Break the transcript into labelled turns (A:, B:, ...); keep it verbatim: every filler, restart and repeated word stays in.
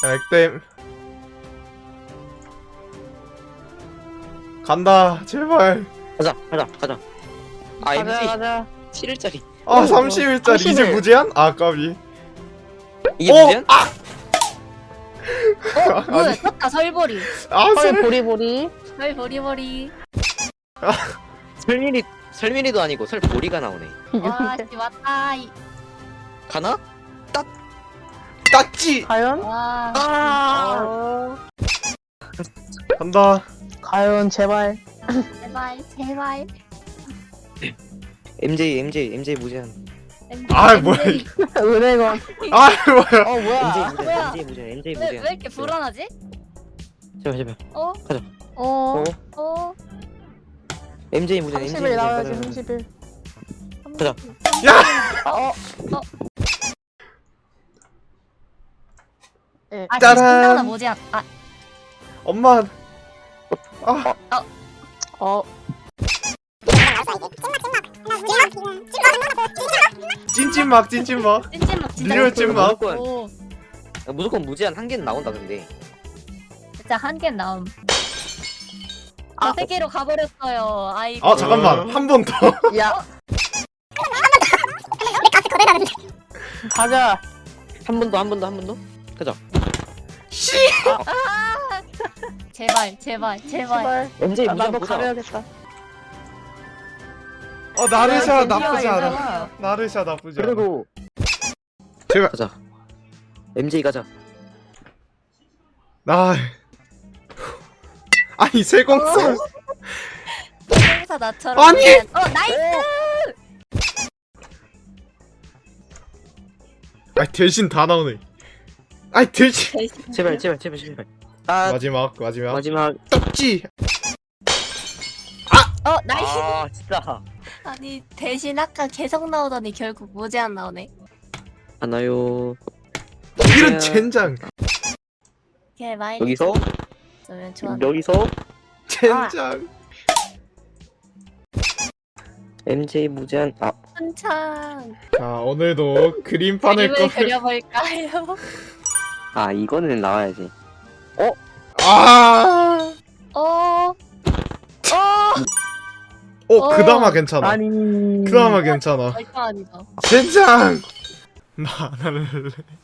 A: 야, 액땜 간다 제발.
B: 가자 가자 가자. 아
C: 가자
B: 엠지
C: 가자.
B: 칠 일짜리.
A: 아 삼십 일짜리
C: 삼십
A: 이제
C: 일.
A: 무제한? 아 까비.
B: 이게
A: 어?
B: 무제한?
D: 어? 뭐야 떴다 설보리.
A: 아
C: 헐
A: 설.
C: 보리보리.
D: 설보리보리.
B: 설민이 설민이도 아니고 설보리가 나오네.
D: 와씨 왔다. 이-
B: 가나?
A: 땄지.
C: 과연?
D: 와.
B: 아.
C: 어...
A: 간다.
C: 과연 제발.
D: 제발 제발.
B: 엠제이 엠제이 엠제이 무제한.
A: 아, 뭐야,
D: 엠제이.
C: 은행원.
A: 아 뭐야.
C: 어
B: 엠제이
C: 뭐야?
B: 무제한
D: 뭐야?
B: 엠제이 무제한 엠제이
D: 왜,
B: 무제한.
D: 왜 이렇게 불안하지?
B: 제발 제발.
D: 어?
C: 어.
B: 어?
D: 어?
B: 엠제이 무제한 엠제이
C: 삼십 일 나와야지
B: 무제한.
C: 삼십 일.
B: 가자.
A: 야.
C: 어.
D: 아
A: 짜란.
D: 진짜 뭐지? 아
A: 엄마. 아
C: 어.
A: 찐찐막 찐찐막.
D: 찐찐막 진짜.
A: 리얼 찐막.
B: 무조건
D: 오
B: 무조건 무제한 한 개는 나온다 근데.
D: 진짜 한 개 나옴.
C: 아.
D: 저 세계로 가버렸어요. 아이고.
A: 아 잠깐만 한 번 더.
C: 야. 가자.
B: 한 번 더 한 번 더 한 번 더. 가자.
A: 씨.
D: 아! 제발 제발 제발.
C: 제발.
B: 엠제이
C: 아,
B: 무제한
C: 나도
B: 보자.
C: 가려야겠다.
A: 어 나르샤
D: 야,
A: 나쁘지
D: 드디어
A: 않아.
D: 이거야.
A: 나르샤 나쁘지 않아.
B: 그래도
A: 제발.
B: 가자. 엠제이 가자.
A: 아. 아니 세공수.
D: 세공사 나처럼.
A: 아니!
D: 그냥- 어 나이스.
A: 아 대신 다 나오네. 아이 대신.
D: 대신.
B: 제발 제발 제발 제발. 아
A: 마지막 마지막.
B: 마지막.
A: 떡지.
D: 어 나이스.
B: 아 진짜.
D: 아니 대신 아까 계속 나오더니 결국 무제한 나오네.
B: 하나요.
A: 이런 젠장.
D: 걔 많이
B: 여기서
D: 면 좋아.
B: 여기서
A: 젠장.
B: 엠제이 무제한. 아
D: 한창
A: 자 오늘도 그림판을
D: 그림을
A: 꺼.
D: 그려볼까요?
B: 아 이거는 나와야지.
A: 아.
D: 어. 어.
A: 어
D: 어.
A: 그나마 괜찮아.
C: 아니.
A: 그나마 괜찮아.
D: 절대 아니다.
A: 젠장. 나 안 할래.